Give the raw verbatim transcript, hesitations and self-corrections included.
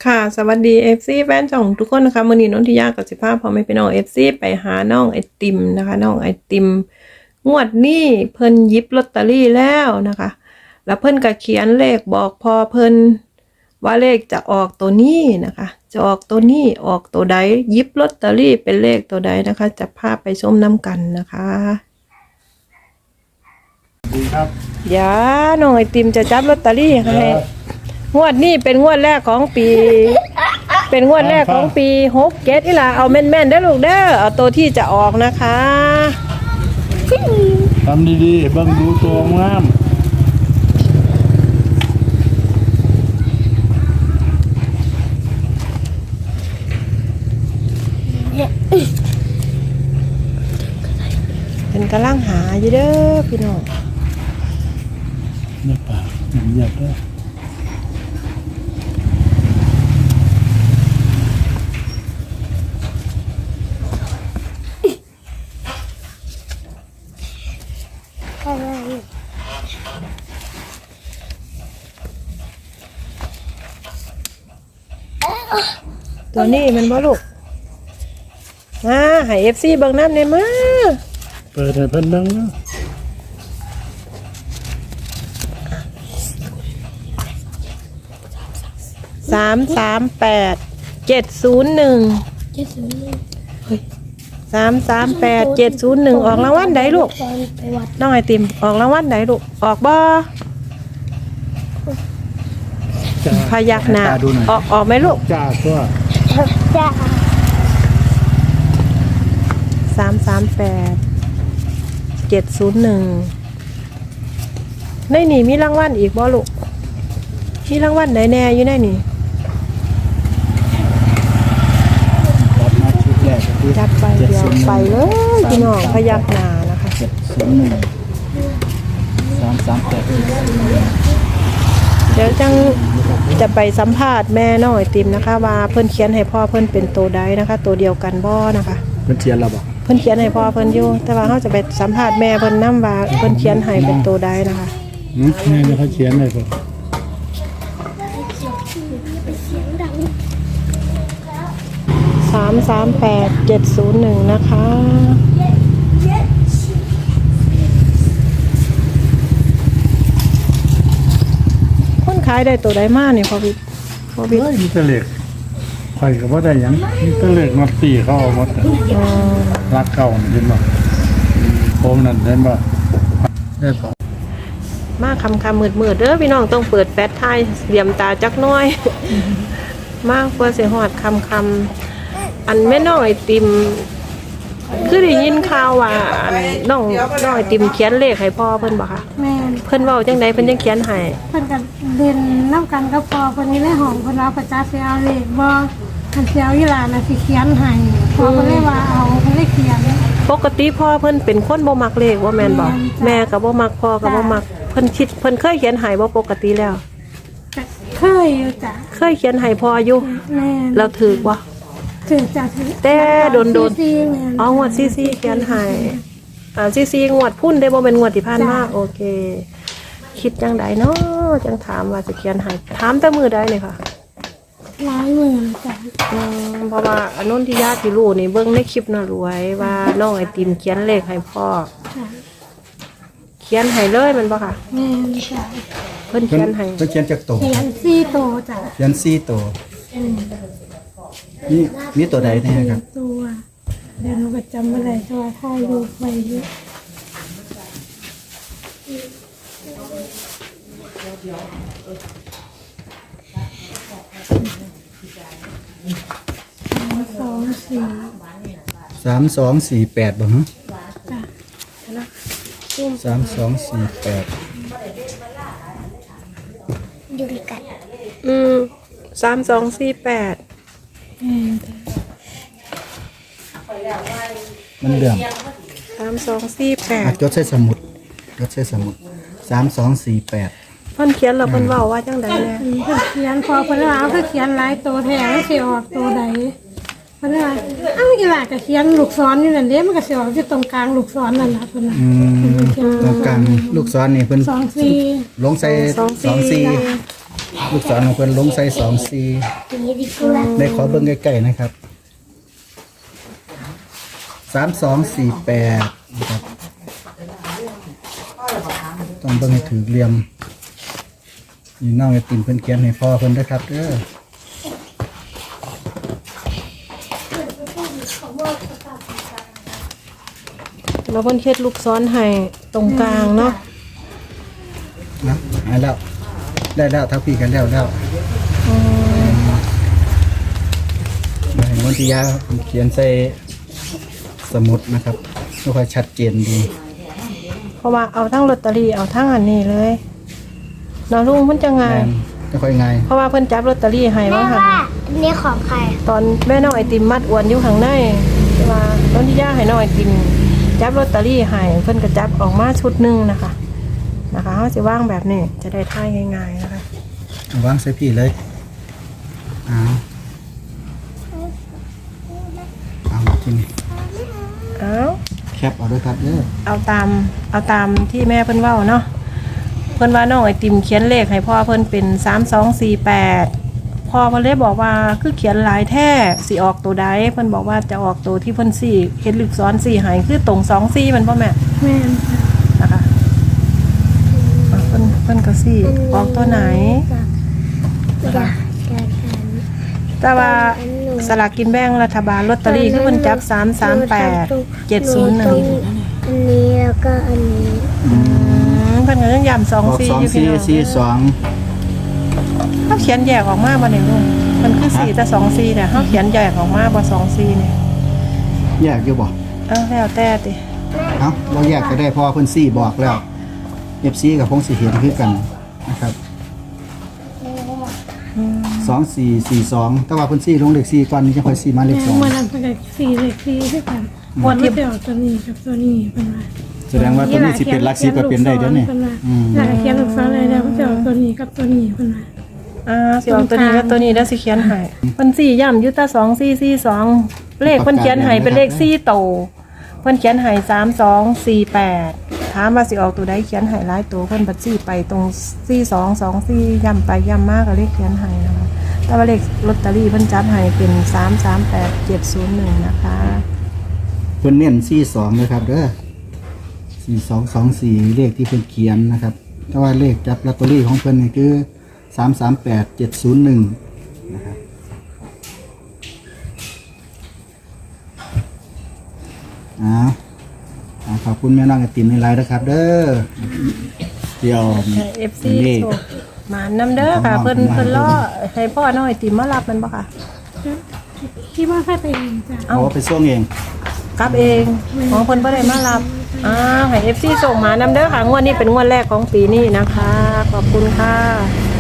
ค่ะสวัสดี เอฟ ซี แฟนช่องทุกคนนะคะมื้อนี้นนทิยากับสิภาพพอไม่ไปน้อง เอฟ ซี ไปหาน้องไอติมนะคะน้องไอติมงวดนี้เพิ่นหยิบลอตเตอรี่แล้วนะคะแล้วเพิ่นก็เขียนเลขบอกพอเพิ่นว่าเลขจะออกตัวนี้นะคะจะออกตัวนี้ออกตัวใดหยิบลอตเตอรี่เป็นเลขตัวใดนะคะจะพาไปชมน้ำกันนะคะดีครับเดี๋ยวน้องไอติมจะจับลอตเตอรี่ให้งวดนี้เป็นงวดแรกของปี เป็นงวดแรกของปีหกเจ็ดนี่ล่ะเอาแม่นๆได้ลูกเด้อเอาตัวที่จะออกนะคะทำดีๆเบิ่งดูตัวงามเป็นกำลังหาอยู่เด้อพี่น้องเนี่ยปากมันเหยียบด้วยตัวนี้มันบ่ลูกมาให้ เอฟ ซี เบิ่งน้ำได้มาเปิดให้เพิ่นเบิ่งนะสามสามแปดเจ็ดศูนย์หนึ่งสามสามแปดเจ็ดศูนย์หนึ่งออกรางวัลใดลูกน้องไอติมออกรางวัลใดลูกออกบ่พยักหน้าออกออกไหมลูกจ้าตัวจ้าสามสามแปดเจ็ดศูนย์หนึ่งในนี่มีรางวัลอีกบ่ลูกมีรางวัลไหนแน่อยู่ในนี่รับมาชุดแรกคือจัดไปเดียวไปเลยพี่น้องพยักหน้านะคะเจ็ดศูนย์หนึ่งสามสามแปดเดี๋ยวจังจะไปสัมภาษณ์แม่น้องไอติมนะคะว่าเพิ่นเขียนให้พ่อเพิ่นเป็นตัวใดนะคะตัวเดียวกันบ่นะคะเพิ่นเขียนแล้วบ่เพิ่นเขียนให้พ่อเพิ่นอยู่แต่ว่าเฮาจะไปสัมภาษณ์แม่เพิ่นนำว่าเพิ่นเขียนให้เป็นตัวใดนะคะหืมแม่เขาเขียนได้บ่สามสามแปดเจ็ดศูนย์หนึ่งนะคะคนขายได้ตัวใดมาเนี่ยพ่อพี่พ่อพี่เฮ้ยมีแต่เลขข่อยก็บ่ได้หยังมีแต่เลขมาตีเขาเอาหมดรักเก่านี่เห็นบ่ผมนั่นเห็นบ่ได้บ่มาคำคำมืดมืดเด้อพี่น้องต้องเปิดแฟลชไทยเหลี่ยมตาจักน้อยมากเพื่อเสียหอดคำคำอันแม่น้องไอติมคือได้ยินข่าวว่าอันน้องน้องไอติมเขียนเลขให้พ่อเพิ่นบ่คะแม่เพิ่นเว้าจังไดเพิ่นจังเขียนให้เพิ่นก็เรียนน้ำกันกับพ่อเพิ่นนี่ในห้องเพิ่นเอาประจักษ์สิเอาเลขบ่คันสิเอาอีหลานน่ะสิเขียนให้พ่อเพิ่นเลยว่าเอาเพิ่นเลยเขียนปกติพ่อเพิ่นเป็นคนบ่มักเลขว่าแม่นบ่แม่ก็บ่มักพ่อก็บ่มักเพิ่นคิดเพิ่นเคยเขียนให้บ่ปกติแล้วเคยอยู่จ้ะเคยเขียนให้พ่ออยู่แม่เราถือบ่ถือจ้ะถือแต่โดนๆอ๋องวดซีซีเขียนให้อ่าซีซีงวดพุ่นได้บ่เป็นงวดที่ผ่านมาโอเคคิดจังไดเนาะจังถามว่าจะเขียนให้ถามแต่มื้อใดนี่ค่ะหลายมื้อจ้ะอืมเพราะว่าอนนทิยาที่รู้นี่เบิ่งในคลิปน่ะรวยว่าน้องไอติมเขียนเลขให้พ่อเขียนให้เลยมันบ่ค่ะแม่จ้ะเพิ่นเขียนให้เพิ่นเขียนจักโตเขียนสี่โตจ้ะเขียนสี่โตนี่มีตัวใดแน่ครับตัวเดี๋ยวหนูก็จำบ่ได้ตัวถ่ายรูปไว้อยู่สองสี่สามสองสี่แปดบ่ฮะจ้ะสามสองสี่แปดอยู่ด้วยกันอืมสามสองสี่แปดมันเรื่องสามสองสี่แปดจดใส่สมุดจดใส่สมุดสามสองสี่แปดเพิ่นเขียนแล้วเพิ่นเว้าว่าจังได๋แน่เขียนพอเพิ่นว่าเอาคือเขียนหลายตัวแท้แล้วสิออกตัวใดเพิ่นว่าเอ้าอีหล่ะก็เขียนลูกศรอยู่นั่นเด้มันก็สิออกอยู่ตรงกลางลูกศรนั่นล่ะเพิ่นน่ะอืมตรงกลางลูกศรนี่เพิ่นสองสี่ลงใส่สองสี่ลูกศรของเพิ่นลงใส่สองสี่ได้ขอเบิ่งใกล้ๆนะครับสามสองสี่แปดนะครับต้องเบิ่งให้ถือเหลี่ยมนี่น้องไอติมเพิ่นเขียนให้พ่อเพิ่นด้วยครับเด้อแล้วเพิ่นเฮ็ดลูกซ้อนให้ตรงกลางเนาะนะได้แล้วได้แล้วทักพี่กันแล้วแล้วมาเห็นวันที่ยาเขียนใส่สมุดนะครับไม่ค่อยชัดเจนดีเพราะว่าเอาทั้งลอตเตอรี่เอาทั้งอันนี้เลยเนาะลุงเพิ่นจะไงแม่นไม่ค่อยง่ายเพราะว่าเพิ่นจับลอตเตอรี่ให้ว่าหั่นอันนี้ของใครตอนแม่น้องไอติมมัดอวนอยู่ข้างในแต่ว่าตอนที่ย่าให้น้องไอติมจับลอตเตอรี่ให้เพิ่นก็จับออกมาชุดหนึงนะคะนะคะเฮาสิวางแบบนี้จะได้ท่ายง่ายๆนะคะเอาวางใส่พี่เลยเอาเอาที่นี่เอาแคปเอาด้วยครับเด้อเอาตามเอาตามที่แม่เพิ่นเว้าเนาะเพิ่นว่าน้องไอติมเขียนเลขให้พ่อเพิ่นเป็นสามสองสี่แปดพ่อเพิ่นเลยบอกว่าคือเขียนหลายแท้สิออกตัวใดเพิ่นบอกว่าจะออกตัวที่เพิ่นสี่เฮ็ดลึกซ้อนสี่ให้คือตรงสองสี่มันบ่แม่แม่นนะคะอ่ะเพิ่นเพิ่นก็สี่ออกตัวไหนอยากจะทแต่ว่าสลากกินแบ่งรัฐบาลลอตเตอรี่คือเพิ่นจับสามสามแปดเจ็ดศูนย์หนึ่งอันนี้แล้วก็อันนี้เพิ่นก็ยังย้ำสองออกสี่สองอยู่พี่สี่น้องสี่สองเขาเขียนแยกออกมาบ่เนี่ยลุงมันคือสี่แต่สองสี่เนี่ยเขาเขียนแยกออกมาบ่สองสี่เนี่ยแยกอยู่บ่เอ้าแล้วแต่ติเอ้าเราแยกก็ได้เพราะว่าเพิ่นสี่บอกแล้ว เอฟ ซี กับพงสิเห็นคือกันนะครับสองสี่สี่สองแต่ว่าเพิ่นสี่ลงเลขสี่ก่อนนี่จะค่อยสี่มาเลขสองเมื่อนั้นเพิ่นก็สี่เลขสี่คือกันวันที่เดียวตัวนี้กับตัวนี้เพิ่นว่าแสดงว่าตัวนี้สิเป็นหลักสิบก็เป็นได้เด้อนี่ อืมแล้วก็เขียนลูกศรเลยแล้วเพิ่นจะเอาตัวนี้กับตัวนี้เพิ่นว่าอ่าสิออกตัวนี้กับตัวนี้แล้วสิเขียนให้เพิ่นสี่ย้ำอยู่แต่สองสี่สี่สองเลขเพิ่นเขียนให้เป็นเลขสี่โตวเพิ่นเขียนให้สามสองสี่แปดถามว่าสิออกตัวใดเขียนให้หลายตัวเพิ่นบัดซี่ไปตรงสี่สองสองสี่ย้ำไปย้ำมากก็เลขเขียนให้นะคะแต่ว่าเลขลอตเตอรี่เพิ่นจัดให้เป็นสามสามแปดเจ็ดศูนย์หนึ่งนะคะเพิ่นเน้นสี่สองเลยครับเด้อสี่สองสองสี่เลขที่เพิ่นเขียนนะครับแต่ว่าเลขจับลอตเตอรี่ของเพิ่นนี่คือสามสามแปดเจ็ดศูนย์หนึ่งนะครับอ้าวอ่าขอบคุณแม่น้องไอติมในไลน์นะครับ เด้อเดี๋ยวเอฟซีโชคหมาน้ำเด้อค่ะเพิ่นเพิ่นล่อให้พ่อน้อยติมมารับมันบ่ค่ะคิดว่าแค่ไปเองจ้ะเอาไปส่งเองกลับเองของเพิ่นบ่ได้มารับอ้าวให้ เอฟ ซี ส่งหมาน้ำเด้อค่ะงวดนี้เป็นงวดแรกของปีนี้นะคะ ขอบคุณค่ะ